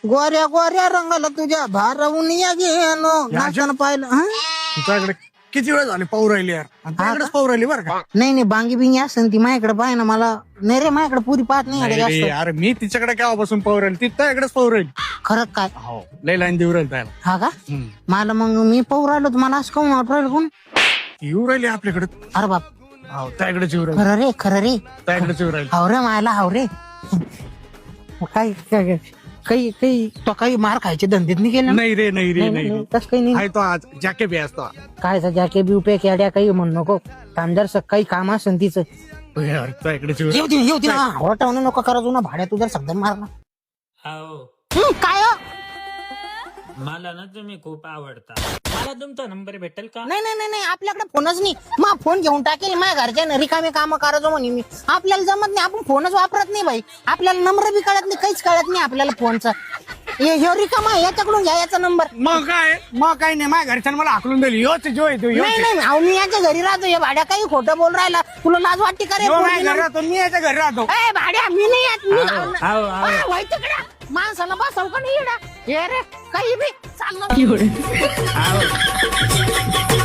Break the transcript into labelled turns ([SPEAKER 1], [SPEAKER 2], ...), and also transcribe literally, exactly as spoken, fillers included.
[SPEAKER 1] गोऱ्या गोऱ्या रंगाला तुझ्या भारावून या गेलो नाचताना पाहिलं हं?
[SPEAKER 2] तुझ्याकडे किती वेळ झाले पाहू राहिली यार आणि तुझ्याकडेच पाहू राहिली बरं का.
[SPEAKER 1] नाही नाही बांगी बिंगी असेल ती माझ्याकडे पाहिजे ना मला नाही रे माझ्याकडे पुरी पाहत नाही
[SPEAKER 2] नाही
[SPEAKER 1] अरे
[SPEAKER 2] रे,
[SPEAKER 1] जास्त
[SPEAKER 2] अरे मी तिच्याकडे केव्हापासून पाहू राहील ती तुझ्याकडेच पाहू राहील.
[SPEAKER 1] खरं काय
[SPEAKER 2] हो लय लाईन देऊ राहील त्याला.
[SPEAKER 1] हा का
[SPEAKER 2] हम्म.
[SPEAKER 1] मला मग मी पाहू राहिलो तर मला असं काऊन वाटू राहिलं कोण
[SPEAKER 2] येऊ राहिली आपल्याकडे.
[SPEAKER 1] अरे बाप
[SPEAKER 2] हो त्याकडेच येऊ राहील
[SPEAKER 1] खरं रे खरं रे
[SPEAKER 2] त्याकडेच येऊ राहील.
[SPEAKER 1] हाव रे मायला हाव रे काही काही काही काही तो काही मार खायचे धंदेत नाही केले ना?
[SPEAKER 2] नाही रे नाही रे
[SPEAKER 1] नाही,
[SPEAKER 2] नाही
[SPEAKER 1] नाही, तसं काही नाही
[SPEAKER 2] आहे तो आज जॅके बी असतो.
[SPEAKER 1] काय जॅके बिवपे केड्या काही म्हणू नको कामदार काही काम असेल तिचं
[SPEAKER 2] यार त्याकडेच येऊ
[SPEAKER 1] येऊ दे येऊ दे ना हॉटावून नको करायचो ना भाड्या तुझ्या शब्द मारला
[SPEAKER 3] हो
[SPEAKER 1] हं, काय हो?
[SPEAKER 3] मला ना तुम्ही खूप आवडता. मला तुमचा नंबर भेटेल का?
[SPEAKER 1] नाही नाही नाही नाही आपल्याकडे फोनच नाही मग फोन घेऊन टाकेल माझ्या घरच्या रिकामे काम करायचो म्हणे मी आपल्याला जमत नाही आपण फोनच वापरत नाही बाई आपल्याला नंबर बी कळत नाही काहीच कळत नाही आपल्याला फोनचा हे रिकामा आहे, याच्याकडून घ्या याचा नंबर
[SPEAKER 2] मग काय मग काय नाही माझ्या घरच्यानं मला हाकलून दिली योच जो येतो
[SPEAKER 1] नाही नाही अहो, मी याच्या घरी राहतो हे भाड्या काही खोटं बोल राहिला तुला लाज वाटते का रे
[SPEAKER 2] माझ्या
[SPEAKER 1] पोरगी
[SPEAKER 2] घरी राहतो मी याच्या घरी राहतो.
[SPEAKER 1] ए, भाड्या मी नाही येत मी
[SPEAKER 3] आहो,
[SPEAKER 1] लावलं.
[SPEAKER 3] आहो, आहो.
[SPEAKER 1] आ, व्हाय तिकडं. माणसाला बसव का नाही येडा? हे रे काही बी चाललं